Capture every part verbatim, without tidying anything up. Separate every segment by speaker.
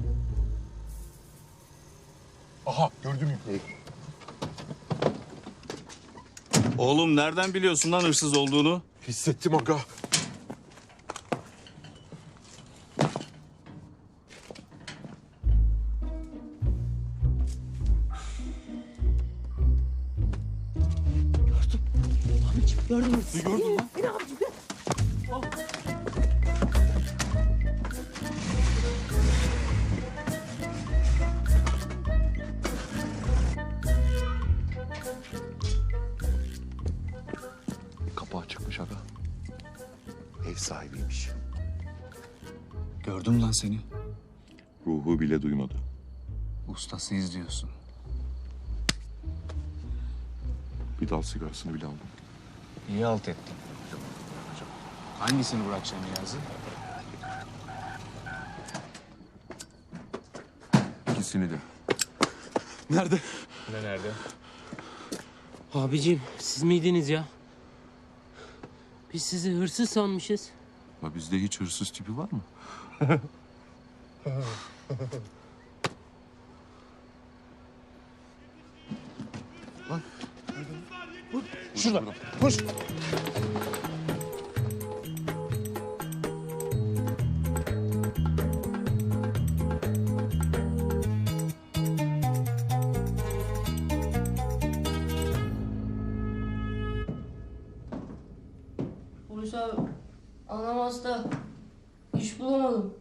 Speaker 1: Aha gördüm yükleri.
Speaker 2: Oğlum nereden biliyorsun lan hırsız olduğunu?
Speaker 1: Hissettim aga.
Speaker 3: Gördün mü?
Speaker 2: Gördün lan.
Speaker 3: Yine abicim gel.
Speaker 1: Kapağı çıkmış aga. Ev sahibiymiş.
Speaker 2: Gördüm lan seni.
Speaker 1: Ruhu bile duymadı.
Speaker 2: Ustasıyız diyorsun.
Speaker 1: Bir dal sigarasını bile aldım.
Speaker 2: İyi halt ettin. Hangisini bırakacaksın Niyazi?
Speaker 1: İkisini de.
Speaker 2: Nerede? Ne nerede?
Speaker 3: Abicim siz miydiniz ya? Biz sizi hırsız sanmışız.
Speaker 1: Ya bizde hiç hırsız tipi var mı?
Speaker 2: Şurada. Koş.
Speaker 4: Polis abi, anam hasta. İş bulamadım.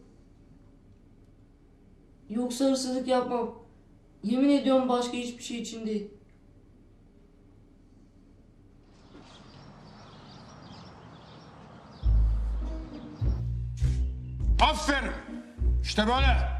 Speaker 4: Yoksa hırsızlık yapmam. Yemin ediyorum başka hiçbir şey için değil.
Speaker 5: Aferin. İşte böyle.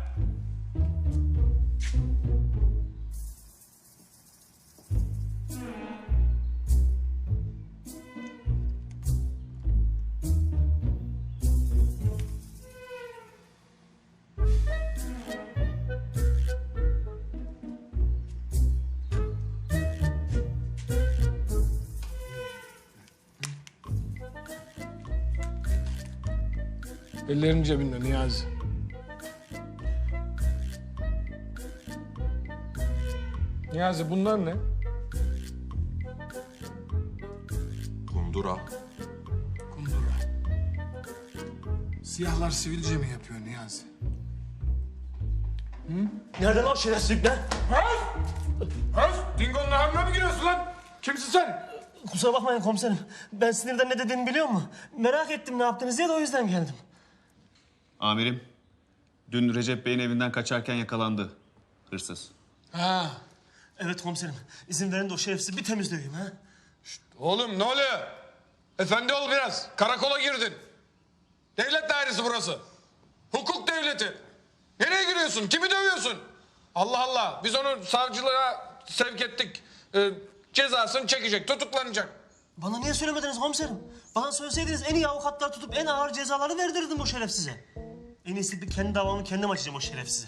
Speaker 6: Ellerin cebinde Niyazi. Niyazi bunlar ne?
Speaker 1: Kundura.
Speaker 6: Kundura. Siyahlar sivilce mi yapıyor Niyazi?
Speaker 5: Nereden o şerefsizlikler?
Speaker 6: Öz! Dingo'nun hamle mi giriyorsun lan? Kimsin sen?
Speaker 5: Kusura bakmayın komiserim. Ben sinirden ne dediğimi biliyor musun? Merak ettim ne yaptınız diye de o yüzden geldim.
Speaker 2: Amirim, dün Recep Bey'in evinden kaçarken yakalandı hırsız.
Speaker 6: Ha.
Speaker 5: Evet komiserim. İzin verin de o şerefsizi bir temizleyeyim ha.
Speaker 6: Oğlum ne oluyor? Efendi ol biraz. Karakola girdin. Devlet dairesi burası. Hukuk devleti. Nereye giriyorsun? Kimi dövüyorsun? Allah Allah. Biz onu savcılığa sevk ettik. Ee, cezasını çekecek, tutuklanacak.
Speaker 5: Bana niye söylemediniz komiserim? Bana söyleseydiniz en iyi avukatlar tutup en ağır cezaları verdirirdim o şerefsize. En iyisi bir kendi davamı kendim açacağım o şerefsize.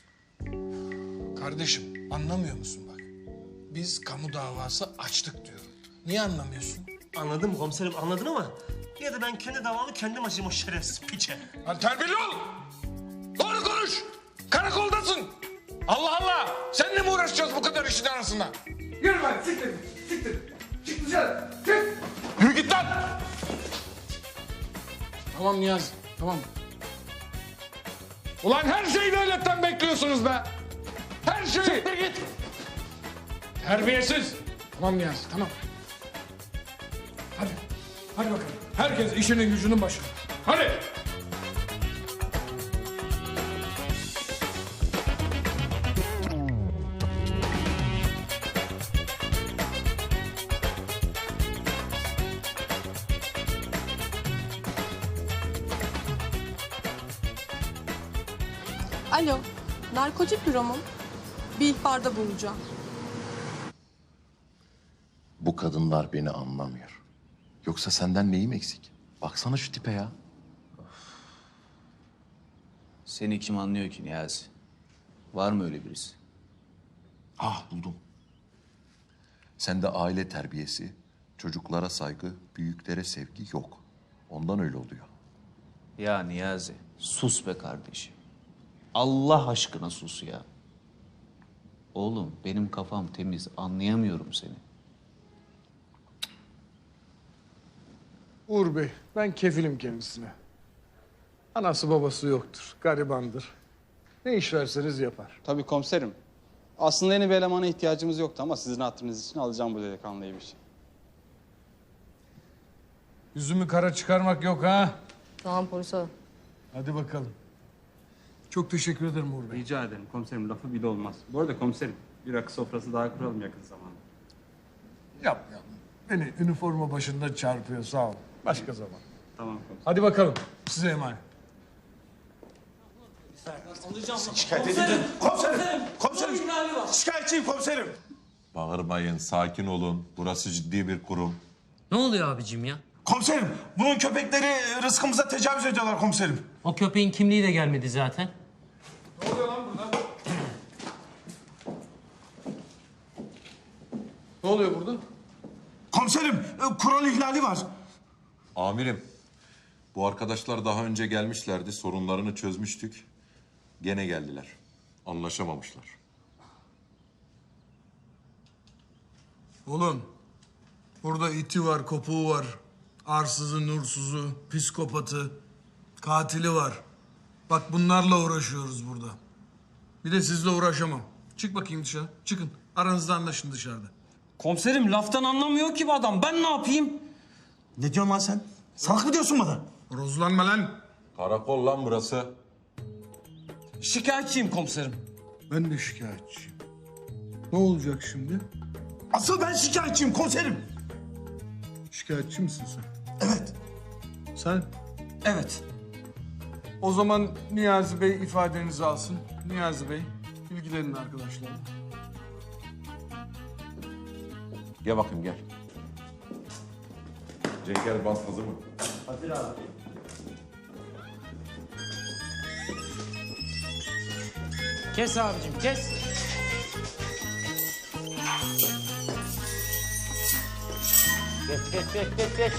Speaker 6: Kardeşim anlamıyor musun bak? Biz kamu davası açtık diyorum. Niye anlamıyorsun?
Speaker 5: Anladım komiserim anladın ama yine de ben kendi davamı kendim açayım o şerefsiz piçe.
Speaker 6: Lan terbiyeli ol! Doğru konuş! Karakoldasın! Allah Allah! Seninle mi uğraşacağız bu kadar işin arasında? Yürü lan siktir! Siktir! Çık dışarı! Çık! Yürü git lan! Tamam Niyazi, tamam. Ulan her şeyi devletten bekliyorsunuz be! Her şeyi! Siktir git! Terbiyesiz! Tamam Niyazi, tamam. Hadi, hadi bakalım. Herkes işinin gücünün başına. Hadi!
Speaker 7: Alo, narkotik büro mu? Bir ihbarda bulunacağım.
Speaker 8: Bu kadınlar beni anlamıyor. Yoksa senden neyim eksik? Baksana şu tipe ya.
Speaker 2: Seni kim anlıyor ki Niyazi? Var mı öyle birisi?
Speaker 8: Ah buldum. Sende aile terbiyesi, çocuklara saygı, büyüklere sevgi yok. Ondan öyle oluyor.
Speaker 2: Ya Niyazi, sus be kardeşim. Allah aşkına sus ya. Oğlum benim kafam temiz, anlayamıyorum seni.
Speaker 9: Uğur Bey, ben kefilim kendisine. Anası babası yoktur, garibandır. Ne iş verseniz yapar.
Speaker 10: Tabii komiserim. Aslında yeni bir elemana ihtiyacımız yoktu ama sizin hatırınız için alacağım bu delikanlıyı bir şey.
Speaker 9: Yüzümü kara çıkarmak yok ha.
Speaker 4: Tamam polis abi.
Speaker 9: Hadi bakalım. Çok teşekkür ederim Uğur Bey.
Speaker 10: Rica ederim komiserim, lafı bile olmaz. Bu arada komiserim, bir rakı sofrası daha kuralım yakın zamanda.
Speaker 9: Yapmayalım. Beni üniforma başında çarpıyor, sağ ol. Başka zaman.
Speaker 10: Tamam komiserim.
Speaker 9: Hadi bakalım, size emanet.
Speaker 11: Şikayet edildim. Komiserim! Komiserim! Şikayetçiyim komiserim.
Speaker 1: Bağırmayın, sakin olun. Burası ciddi bir kurum.
Speaker 3: Ne oluyor abicim ya?
Speaker 11: Komiserim, bunun köpekleri rızkımıza tecavüz ediyorlar komiserim.
Speaker 3: O köpeğin kimliği de gelmedi zaten.
Speaker 9: Ne oluyor burada?
Speaker 11: Komiserim, e, kural ihlali var.
Speaker 1: Amirim, bu arkadaşlar daha önce gelmişlerdi. Sorunlarını çözmüştük. Gene geldiler. Anlaşamamışlar.
Speaker 9: Oğlum, burada iti var, kopuğu var. Arsızı, nursuzu, psikopatı, katili var. Bak bunlarla uğraşıyoruz burada. Bir de sizle uğraşamam. Çık bakayım dışarı, çıkın. Aranızda anlaşın dışarıda.
Speaker 11: Komiserim, laftan anlamıyor ki bu adam. Ben ne yapayım? Ne diyorsun lan sen? Salak mı diyorsun bana?
Speaker 9: Rozlanma lan.
Speaker 1: Karakol lan burası.
Speaker 11: Şikayetçiyim komiserim.
Speaker 9: Ben de şikayetçiyim. Ne olacak şimdi?
Speaker 11: Asıl ben şikayetçiyim komiserim.
Speaker 9: Şikayetçi misin sen?
Speaker 11: Evet.
Speaker 9: Sen?
Speaker 11: Evet.
Speaker 9: O zaman Niyazi Bey ifadenizi alsın. Niyazi Bey, ilgilenin arkadaşlarla.
Speaker 1: Gel bakayım gel. Cenker bant hazır mı?
Speaker 3: Kes abicim kes. Geç geç geç geç geç.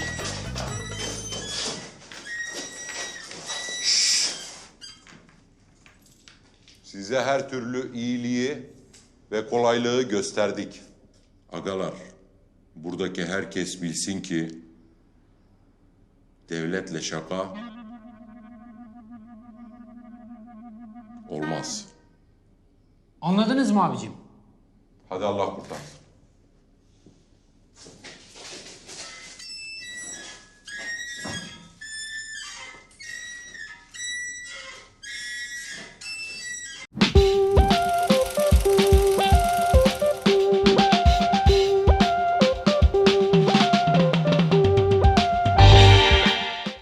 Speaker 1: Size her türlü iyiliği ve kolaylığı gösterdik. Agalar, buradaki herkes bilsin ki devletle şaka olmaz.
Speaker 3: Anladınız mı abicim?
Speaker 1: Hadi Allah kurtarsın.